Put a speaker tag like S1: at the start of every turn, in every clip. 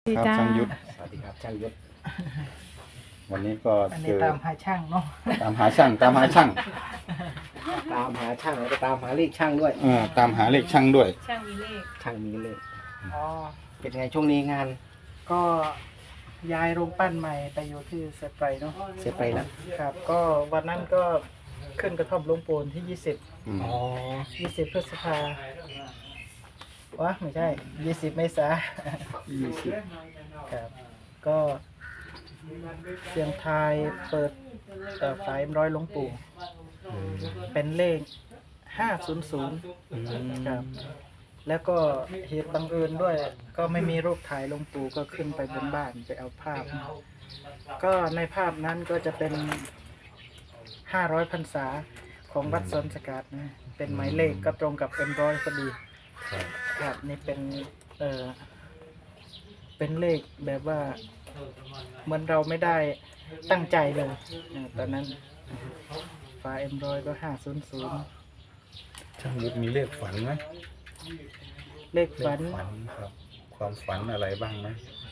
S1: ครับช่างยุทธ
S2: สวัสดีครับช่างยุทธ
S1: วันนี้ก็
S3: อัน
S1: เจ
S3: นี้
S1: อ
S3: ตามหาช่างเนาะ
S1: ตามหาช่างตามหาช่าง
S2: ตามหาช่างแล้วก็ตามหาเลขช่างด้วย
S1: ตามหาเลขช่างด้วย
S4: ช่างมีเลข
S2: ช่างมีเลข
S3: อ๋อ
S2: เป็นไงช่วงนี้งาน
S3: ก็ย้ายโรงปั้นใหม่ไปอยู่ที่เซฟไรเนาะ
S2: เสร็จไปแล้ว
S3: ครับ ก็วันนั้นก็ขึ้นกระท่อมหลวงปูนที่ 20
S1: อืม
S2: อ๋อ
S3: 20 พฤษภา วะไม่ใช่ 20 เมษา
S2: 20
S3: ครับ ก็เสียงทายเปิดฝายร้อยหลวงปู่ เป็นเลข 500 ครับ แล้วก็เหตุบังเอิญด้วย ก็ไม่มีรูปถ่ายหลวงปู่ก็ขึ้นไปบนบ้านไปเอาภาพมาก็ในภาพนั้นก็จะเป็น 500 พรรษาของวัดสนสกัดนะ เป็นหมายเลขก็ตรงกับเอ็มร้อยพอดี
S1: ครับ
S3: ครับนี่เป็นเป็นเลขแบบว่าเหมือนเราไม่ได้ตั้งใจเลยตอนนั้นฝาเอ็มร้อยก็ 500
S1: ช่างยุทธมีเลขฝันไหม
S3: เลข
S1: เล
S3: ฝั
S1: ข
S3: น
S1: ฝันครับ ความฝันอะไรบ้างไหม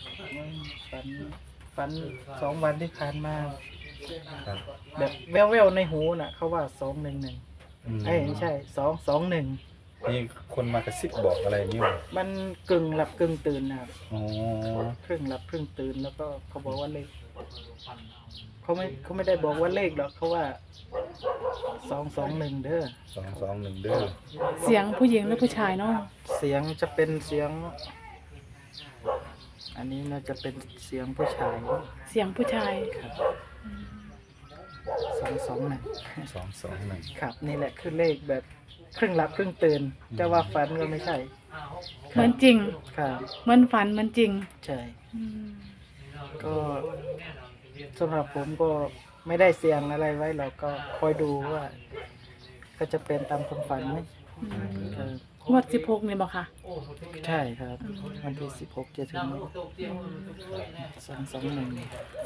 S3: ฝัน2 วันที่ผ่านมา
S1: ครับ
S3: แบบแว่วๆในหูน่ะ เขาว่า211เอ้ยไม่ใช่221
S1: มีคนมากระซิบบอกอะไรนี่วะ
S3: มันกึ่งหลับกึ่งตื่นนะครับ
S1: อ๋อ
S3: ครึ่งหลับครึ่งตื่นแล้วก็เขาบอกว่าเลขเขาไม่ได้บอกว่าเลขหรอกเขาว่า221เด้อ
S1: 221เด้อ
S4: เสียงผู้หญิงหรือผู้ชายเนาะ
S3: เสียงจะเป็นเสียง อันนี้น่าจะเป็นเสียงผู้ชาย
S4: เสียงผู้ชาย
S3: 221
S1: 221
S3: ครับนี่แหละคือเลขแบบครึ่งหลับครึ่งตื่นจะว่าฝันก็ไม่ใช่
S4: เหมือนจริง
S3: ครับ
S4: เหมือนฝันเหมือนจริง
S3: ใช่
S4: อืม
S3: ก็สำหรับผมก็ไม่ได้เสียงอะไรไว้หรอกก็คอยดูว่า ก็จะเป็นตามความฝันไหม ครับ
S4: งวด16นี่บอกค่ะ
S3: ใช่ครับ วันที่16จะถึง221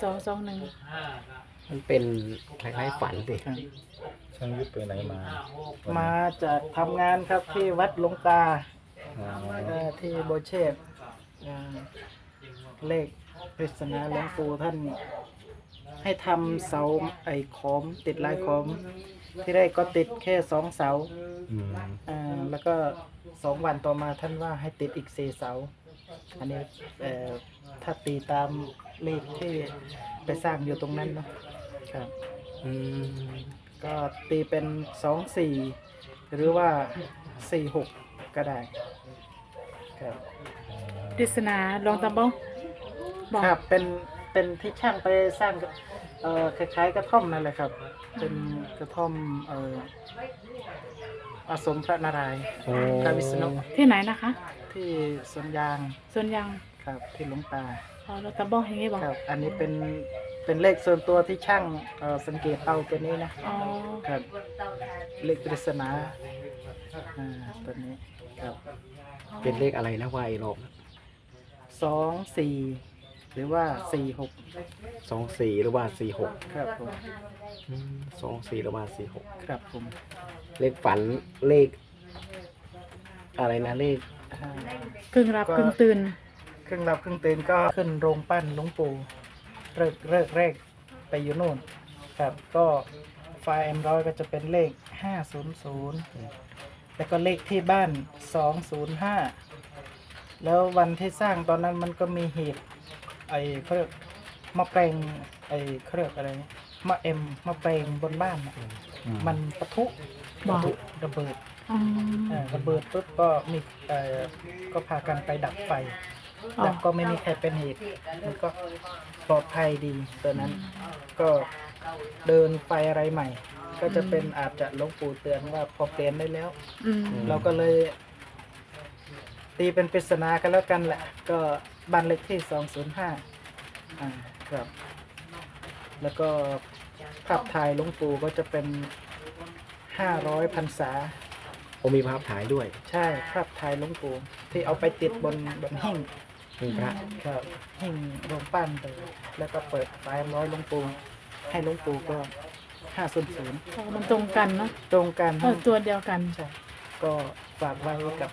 S4: 221
S2: มันเป็นคล้ายๆฝันสิ
S3: ครับ
S1: ช่างยุทธไปไหนมา
S3: มาจากทำงานครับที่วัดหลวงตา
S1: อ๋อ
S3: ที่โบเชตเลขปริศนาหลวงปู่ท่าน ให้ทำเสาไอ้ขอมติดลายขอม ที่แรกก็ติดแค่2 เสา
S1: อืม
S3: แล้วก็2 วันต่อมาท่านว่าให้ติดอีก4 เสา อันนี้ถ้าตีตามเลขที่ไปสร้างอยู่ตรงนั้นเนาะครับ
S2: อืม
S3: ก็ตีเป็น24หรือว่า46ก็ได้ครับ
S4: ปริศนาลองตามบ้องบอก
S3: ครับเป็นที่ช่างไปสร้างคล้ายๆกระท่อมนั่นแหละครับ เป็นกระท่อมอาสมพระนารายณ์
S2: โอ้
S3: พระวิษณุ
S4: ที่ไหนนะคะ
S3: ที่สวนยาง
S4: ส่วนยัง
S3: ครับที่หลวงตา
S4: อ๋อลองตามบ้องอย่างนี้บอก
S3: ครับ อันนี้เป็นเลขส่วนตัวที่ช่างสังเกตเอาตัวนี้นะ
S4: อ๋อ
S3: ครับเลขปริศนาตัวนี้ครับ
S2: เป็นเลขอะไรนะว่าไอ้รอบ
S3: 24หรือว่า46
S2: 24หรือว่า46
S3: ครับผม
S2: 24หรือว่า46
S3: ครับผม
S2: เลขฝันเลข อะไรนะเลข
S3: อ่า
S4: กึ่งหลับกึ่งตื่น
S3: ครึ่งหลับครึ่งตื่นก็ขึ้นโรงปั้นหลวงปู่เลิกแรกไปอยู่โน่นครับก็ไฟล์M100ก็จะเป็นเลข500แล้วก็เลขที่บ้าน205แล้ววันที่สร้างตอนนั้นมันก็มีเหตุไอ้เขาเรียกมะแปลงไอ้เขาเรียกอะไรมะแปลงบนบ้านน่ะมันปะทุ
S4: บอก
S3: ระเบิด
S4: อืม
S3: ระเบิดปุ๊บก็มีก็พากันไปดับไฟ
S4: อ๋อ
S3: ดับก็ไม่มีใครเป็นเหตุมันก็ปลอดภัยดีตัวนั้น ก็เดินไฟอะไรใหม่ ก็จะเป็นอาจจะหลวงปู่เตือนว่าพอเปลี่ยนได้แล้ว
S4: อืม
S3: เราก็เลยตีเป็นปริศนากันแล้วกันแหละ ก็บ้านเลขที่205ครับ แล้วก็ภาพถ่ายหลวงปู่ก็จะเป็น500 พรรษา
S2: ผมมีภาพถ่ายด้วย
S3: ใช่ภาพถ่ายหลวงปู่ที่เอาไปติดบนหิ้ง
S2: มีพระ
S3: ครับหิ้งโรงปั้นเลยแล้วก็เปิดไฟร้อยหลวงปู่ให้หลวงปู่ก็500
S4: อ๋อมันตรงกันเนาะ
S3: ตรงกัน
S4: ตัวเดียวกัน
S3: ใช่ก็ฝากไว้กับ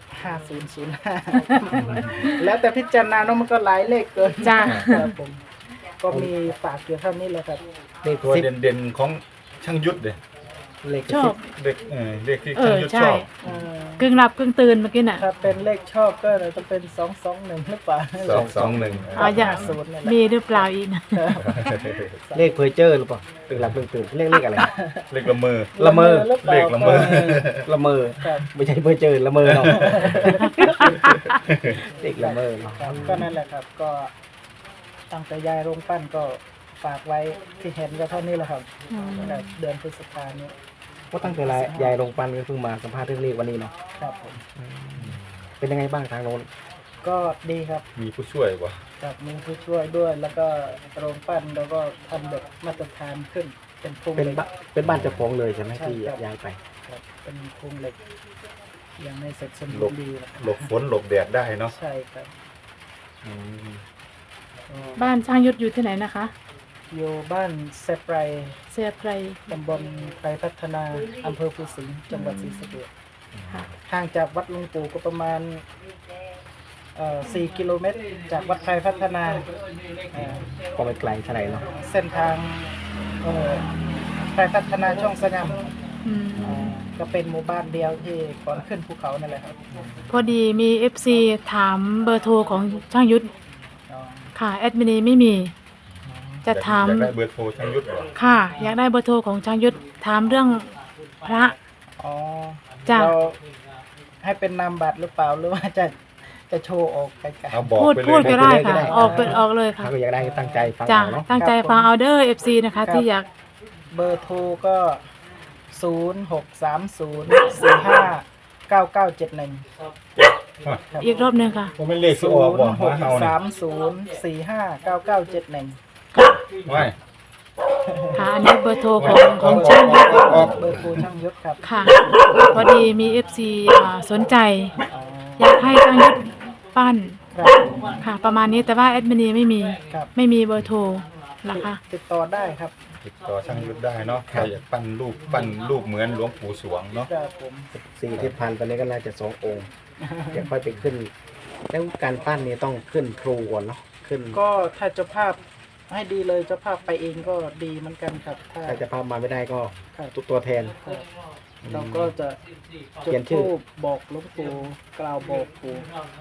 S3: 5005 แล้วแต่พิจารณาเนาะมันก็หลายเลขเกิน
S4: จ้ะ
S3: ครับผมก็มีฝากอยู่เท่านี้แหละครับ
S2: เลข
S1: ตัว
S2: สิบ
S1: เด่นๆของช่างยุทธเลย
S2: เลข
S4: ชอบ
S1: เด็กเด็กที่ช่างยุทธช
S4: ใช่
S1: อบ
S3: เอ่อก
S4: ึ่งหลับกึ่งตื่นเมื่อกี้น่ะ
S3: ถ้าเป็นเลขชอบก็จะเป็น221หรือเปล่า
S1: 221
S4: อ๋ออย่าง
S3: 50นี่แหละ
S4: มีหรือเปล่าอีกนะ
S2: เลขเพอร์เจอร์หรือเปล่าตื่นหลับตื่นเลขอะไร
S1: เลขละเมอ
S2: ละเมอ
S3: หรือปา
S1: เลขละเมอ
S2: ละเมอ
S3: ครับ
S2: ไม่ใช่เพอร์เจอร์ละเมอเนาะเลขละเมอเนาะ
S3: ครับก็นั่นแหละครับ ก็ตั้งแต่ยายโรงปั้นก็ฝากไว้ที่เห็นก็เท่านี้แหละครับ
S4: อืม
S3: ตั้งแต่เดือนพฤษภานี้
S2: ก็ตั้งแต่ยายลงปันก็เพิ่งมาสัมภาษณ์เรื่องเลขวันนี้เนาะ
S3: ครับผม
S2: เป็นยังไงบ้างทางโน้น
S3: ก็ดีครับ
S1: มีผู้ช่วยป่ะ
S3: กับมีผู้ช่วยด้วย แล้วก็โรงปั้นแล้วก็ทำแบบมาตรฐานขึ้น เป็นโครง
S2: เป็น
S3: เหล็ก
S2: เป็นบ้านเจ้าของเลยใช่ไหม
S3: ใช่
S2: ที่
S3: ครับ
S2: ย้ายไป
S3: ครับเป็นโครงเหล็ก ยังไม่เสร็จสม
S1: หล
S3: บูร
S1: บ
S3: ณ์ดีนะค
S1: หล
S3: รับบ
S1: ฝนหลบแดดได้เนาะ
S3: ใช่ครับก็
S4: บ้านช่างยุทธอยู่ที่ไหนนะคะ
S3: อยู่บ้านเซปไร
S4: เสียไพร
S3: ตำบลไพรพัฒนาอำเภอภูสิงห์จังหวัดศรีสะเกษ
S4: ค่ะ
S3: ห่างจากวัดหลุงปู่ก็ประมาณ4 กิโลเมตร จากวัดไพรพัฒนาเอ่อ
S2: ก็ไม่ไกลเท่าไหร่เนาะ
S3: เส้นทางไพรพัฒนาช่องสงาม
S4: อืม
S3: ก็เป็นหมู่บ้านเดียวที่ก่อนขึ้นภูเขานั่นแหละครับ
S4: พอดีมี FC ถามเบอร์โทรของช่างยุทธ
S3: อ๋อ
S4: ค่ะแอดมินีไม่มี จะถาม
S1: อยากได้เบอร์โทรช่างยุทธเหรอ
S4: ค่ะ อยากได้เบอร์โทรของช่างยุทธถามเรื่องพระ
S3: อ๋อ
S4: จ้ะ
S3: เราให้เป็นนามบัตรหรือเปล่าหรือว่าจะโชว์ออกไกล
S1: เอาบอก
S4: พูด
S1: ไปเล
S4: พูด
S1: ย
S4: ก็ได้ค่ะ ออกเป็นออกเลยค่ะ
S2: ถ้าก็อยากได้ก็ตั้งใจฟัง
S4: จ้ะ
S2: เอาเนาะ
S4: ตั้งใจฟังเอาเดอร์ FC นะคะที่อยาก
S3: ๆเบอร์โทรก็ 0630459971
S4: อีกรอบหนึงค่ะ
S1: ผมไม่เลขที่ออกบอกมาเอาเนี่ย
S3: 0630459971
S1: ไม่
S4: ค่ะ อันนี้เบอร์โทรของช่างยุทธ
S3: เบอร์โทรช่างยศครับ
S4: ค่ะ พอดีมี FC สนใจ
S3: อ๋อ
S4: อยากให้ช่างยุทธปั้น
S3: ครับ
S4: ค่ะ ประมาณนี้แต่ว่าแอดมินีไม่มี
S3: ครับ
S4: ไม่มีเบอร์โทรนะคะ
S3: ติดต่อได้ครับ
S1: ติดต่อช่างยุทธได้เนาะใครอยากปั้นรูปเหมือนหลวงปู่สวงเนาะ
S3: ครับผม
S2: 4 ที่พันตอนนี้ก็น่าจะ2 องค์เดี๋ยวค่อยไปขึ้น แล้วการปั้นนี่ต้องขึ้นครูก่อนเนาะขึ้น
S3: ก็ถ้าเจ้าภาพให้ดีเลยเจ้าภาพไปเองก็ดีเหมือนกันครับ ถ้า
S2: ถ้าจะพามาไม่ได้ก็
S3: ครับ
S2: ตัวแทน
S3: ครับเราก็จะ
S2: เขียนชื่อ
S3: ธูปบอกหลวงปู่กล่าวบอกปู่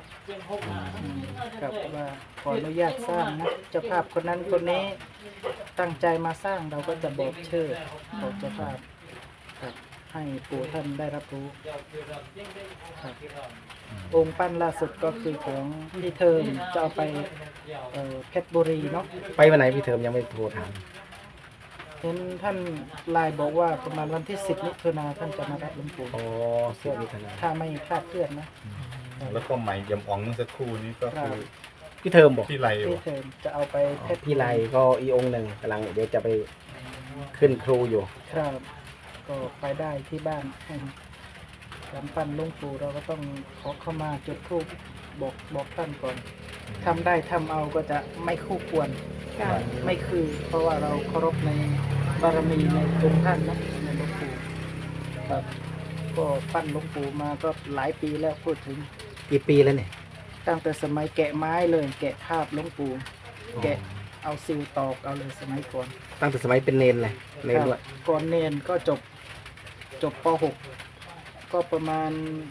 S3: ครับว่าขออนุญาตสร้างนะเจ้าภาพคนนั้นคนนี้ตั้งใจมาสร้างเราก็จะบอกชื่อของเจ้าภาพครับให้ปู่ท่านได้รับรู้ครับองค์ปั้นล่าสุดก็คือของพี่เทิมจะเอาไปเพชรบุรีเนาะ
S2: ไปวันไหนพี่เทอมยังไม่โทรถาม
S3: เห็นท่านไลน์บอกว่าประมาณวันที่10 มิถุนาท่านจะมารับหลวงปู่
S2: อ๋อ10 มิถุนายน
S3: ถ้าไม่คลาดเคลื่อนนะ
S1: แล้วก็ใหม่ยำอ่องเมื่อสักครู่นี้ก็คือ
S2: พี่เทอมบอก
S1: พี่ไร
S3: พี่
S1: วะ
S3: เทิมจะเอาไปเพชร
S2: พี่ไลก็อีองค์หนึ่งกำลังเดี๋ยวจะไปขึ้นครูอยู่
S3: ครับก็ไปได้ที่บ้านการปั้นหลวงปู่เราก็ต้องขอเข้ามาจุดธูปบอกท่านก่อนทำได้ทำเอาก็จะไม่คู่ควร
S4: ค่ะ
S3: ไม่คือ เพราะว่าเราเคารพในบารมีในองค์ท่านนะในหลวงปู่ครับก็ปั้นหลวงปู่มาก็หลายปีแล้วพูดถึง
S2: กี่ปีแล้วเนี่ย
S3: ตั้งแต่สมัยแกะไม้เลยแกะภาพหลวงปู่แกะเอาซิลตอกเอาเลยสมัยก่อน
S2: ตั้งแต่สมัยเป็นเนนเลยเนนด้วย
S3: ครับก่อนเนนก็จบป .6 ก็ประมาณ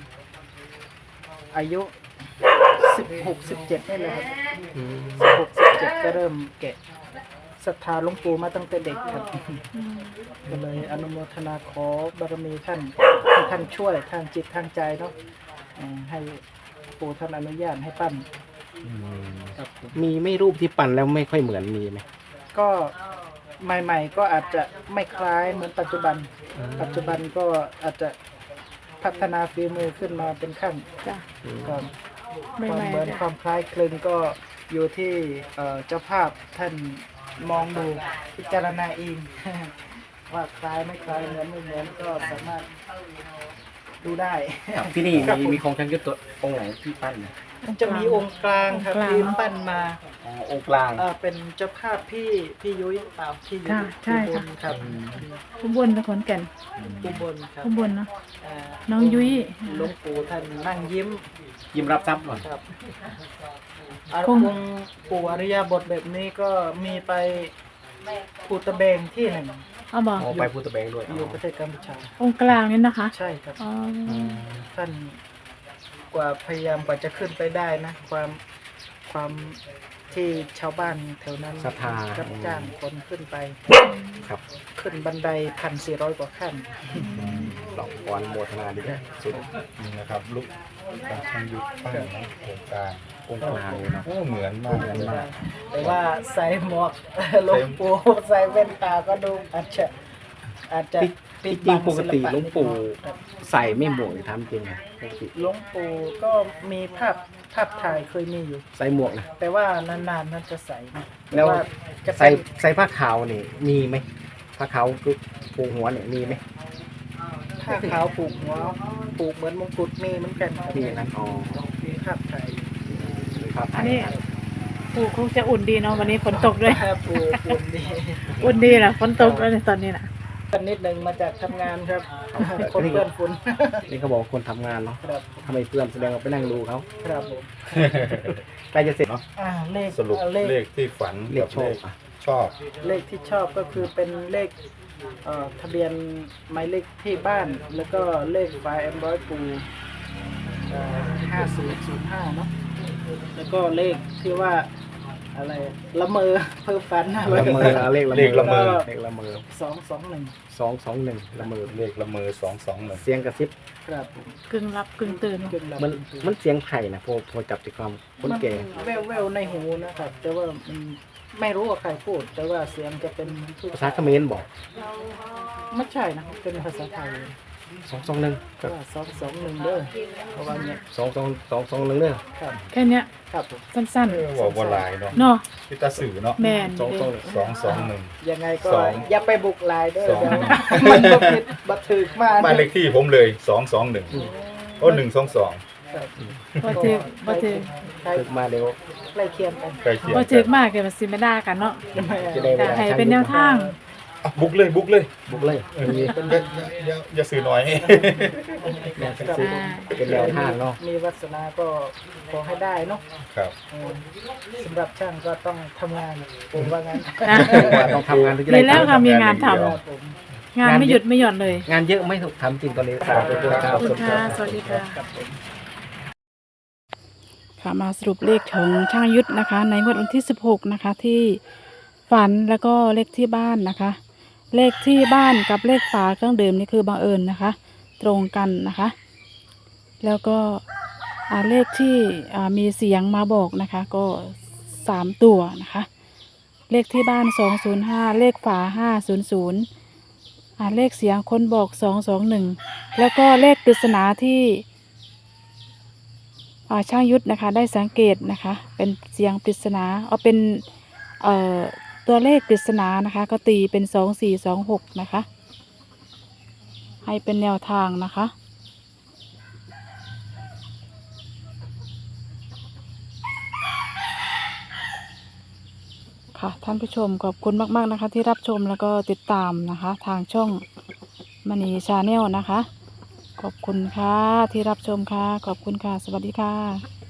S3: อายุ 16-17นี่แหละครับ
S2: อืม
S3: 16-17 ก็เริ่มแกะศรัทธาหลวงปู่มาตั้งแต่เด็กครับ ก็เลยอนุโมทนาขอบารมีท่านให้ท่านช่วยทางจิตทางใจเนาะให้ปู่ท่านอนุญาตให้ปั้นครับผม
S2: มีไม่รูปที่ปั่นแล้วไม่ค่อยเหมือนมีไหม
S3: ก็ใหม่ๆก็อาจจะไม่คล้ายเหมือนปัจจุบัน ปัจจุบันก็อาจจะพัฒนาฝีมือขึ้นมาเป็นขั้น
S4: จ้ะ
S3: ครับ
S4: ไม่
S3: ความ
S4: ไม่
S3: เหมือนความคล้ายคลึงก็อยู่ที่เจ้าภาพท่านมองดูพิจารณาเอง ว่าคล้ายไม่คล้ายเหมือนไม่เหมือนก็สามารถดูได้
S2: ที่นี่
S3: ครับผม
S2: มีของช่างยุทธตัวองค์ไหนที่ปั้นเนี่ย
S3: มันจะมีองค์กลางครับที่ปั้นมา
S2: องค์กลาง
S3: เป็นเจ้าภาพพี่ยุ้ยเปล่าพี่ยุ้ย
S4: ค่ะใช่
S3: อุบ
S4: ค่ะ
S3: ลครับ
S4: ข้างบนตะขอนแก่น
S3: อุบลครับ
S4: ข้างบนเนาะ
S3: อ่า
S4: น้องยุ้ย
S3: หลวงปู่ท่านนั่งยิ้ม
S2: ยิ้มรับทรัพย์ก่อน
S3: ครับ
S4: คง
S3: องค์ปู่อริยบทแบบนี้ก็มีไปปูตะเบงที่หนึ่ง
S4: เอาบอก
S2: อ๋อไปพุทธแบงค์ด้วย
S3: อยู่ประเทศกัมพูชา
S4: องค์กลางนี่นะคะ
S3: ใช่ครับ
S4: อ๋อ
S3: ท่านกว่าพยายามกว่าจะขึ้นไปได้นะ ความที่ชาวบ้านแถวนั้น
S2: ศรัทธา
S3: รับจ้างคนขึ้นไป
S2: ครับ
S3: ขึ้นบันได1,400 กว่าขั้น
S2: หลอกพรโมทนาดีนะสุด
S1: นี่นะครับลูกการช่างยุทธปั้นนะโครงการ
S2: องค์กลางเลยเนาะ
S1: โอ้เหมือนมากเลยนะ
S3: แต่ว่าใส่หมวก หลวงปู่ใส่แว่นตาก็ดูอาจจะ
S2: จริงๆปกติหลวงปู่ใส่ไม่หมวกเลยทำจริงนะปกติ
S3: หลวงปู่ก็มีภาพถ่ายเคยมีอยู่
S2: ใส่หมวกนะ
S3: แต่ว่านานๆนั่นจะใส่นะ
S2: แล้ว
S3: ต่าจะ
S2: ใส่
S3: เป็น
S2: ใส่ผ้าขาวนี่มีไหมผ้าขาวคือปูหัวเนี่ยมีไหม
S3: ผ้าขาวผูกหัวผูกเหมือนมงกุฎมีเหมือนกันครับ
S2: มีนะอ๋อ
S3: มีภาพถ่าย
S2: มีผ้าไท
S4: อัน
S2: ย
S4: นี้ปู่คงจะอุ่นดีเนาะวันนี้ฝนตกด้วย
S3: ภาพปูปูนดี
S4: อุ่นดีนะฝนตกด้วยตอนนี้นะ
S3: กันนิดหนึ่งมาจากทำงานครับ คนเพื่อนฝุ่น
S2: นี่เขาบอกคนทำงานเนาะ
S3: ครับ
S2: ทำไมเพื่อนแสดงว่าไปนั่งดูเขา
S3: ครับผม
S2: ใกล้จะเสร็จเนาะ
S3: เลข
S1: สรุป
S3: เล
S1: เล
S3: ข
S1: ขที่ฝัน
S2: เลข
S1: กับ
S2: โช
S1: เล
S2: ค
S1: ข
S2: อ่ะ
S1: ชอบ
S3: เลขที่ชอบก็คือเป็นเลขทะเบียนหมายเลขที่บ้านแล้วก็เลขไฟล์M100ปู5005เนาะแล้วก็เลขที่ว่าอะไรละเมอเพ้อฝันอะไร
S2: ละเมอเลขละเมอ
S1: เลขละเมอ
S2: เลขละเมอ
S3: 221
S2: 221ละเมอ
S1: เลขละเมอ221
S2: เสียงกระซิบ
S3: ครับผม
S4: กึ่งรับกึ่งตื่น
S3: ขึ้นแล้ว
S2: มันเสียงไผ่นะพอจับใจความคนแก่
S3: แววๆในหูนะครับ แต่ว่ามันไม่รู้ว่าใครพูด แต่ว่าเสียงจะเป็น
S2: ภาษาเขมรบอก
S3: ไม่ใช่นะครับเป็นภาษาไทย
S2: 221
S3: ก็ว่า221เด้อเพราะว่าเนี่ย
S2: 221เด้อ
S3: ครับ
S4: แค่เนี้ย
S3: ครับผม
S4: สั้น
S1: บอกว่าหลายเนาะ
S4: ๆเนาะ
S1: พิตาสื่อเนาะ
S4: แมน
S1: 221
S3: ยังไงก็
S1: สอง
S3: อย่าไปบุกลายเด้อ
S1: สอง
S3: เดี๋ยวมันบ่ผิดบัถึกมาก
S1: บ้านเลขที่ผมเลย221โอ้122
S3: ครับ
S4: บ่ถึกบ่ถึก
S3: ใกล้
S2: ฝึกมาเร็ว
S3: ใกล้เคียงกัน
S1: ใกล้เคียง
S4: บ่ถึกมากเกินสิไม่ได้กันเนาะ
S2: จะได้เวลา
S4: ให้เป็นแนวทาง
S1: อ่ะบุกเลยบุกเลย
S2: บุกเลยมี
S1: อย่าสื่อน้อย
S2: แนวซื้อเป็นแนวทางเนาะ
S3: มีวาสนาก็ขอให้ได้เนาะ
S1: ครับ
S3: สำหรับช่างก็ต้องทำงานผมว่างั้น
S4: อ่ะ
S2: ว่าต้องทำงานถึงจะได้
S4: ดีแล้วค่ะมีงานทำ
S3: ครับผม
S4: งานไม่หยุดไม่หย่อนเลย
S2: งานเยอะไหมถูกทำจริงตอนนี้
S1: ครับ
S4: ขอบคุณค่ะ สวัสดีค่ะ
S3: ครับผม
S4: ค่ะมาสรุปเลขของช่างยุทธนะคะ ในงวดวันที่ 16 นะคะ ที่ฝันแล้วก็เลขที่บ้านนะคะ เลขที่บ้านกับเลขฝาเครื่องดื่มนี่คือบังเอิญนะคะ ตรงกันนะคะ แล้วก็เลขที่มีเสียงมาบอกนะคะ ก็3ตัวนะคะ เลขที่บ้าน205เลขฝา500เลขเสียงคนบอก221แล้วก็เลขปริศนาที่ช่างยุทธนะคะได้สังเกตนะคะเป็นเสียงปริศนาเอาเป็นตัวเลขปริศนานะคะก็ตีเป็น2426นะคะให้เป็นแนวทางนะคะค่ะท่านผู้ชมขอบคุณมากๆนะคะที่รับชมแล้วก็ติดตามนะคะทางช่องมณีชาแนลนะคะขอบคุณค่ะที่รับชมค่ะขอบคุณค่ะสวัสดีค่ะ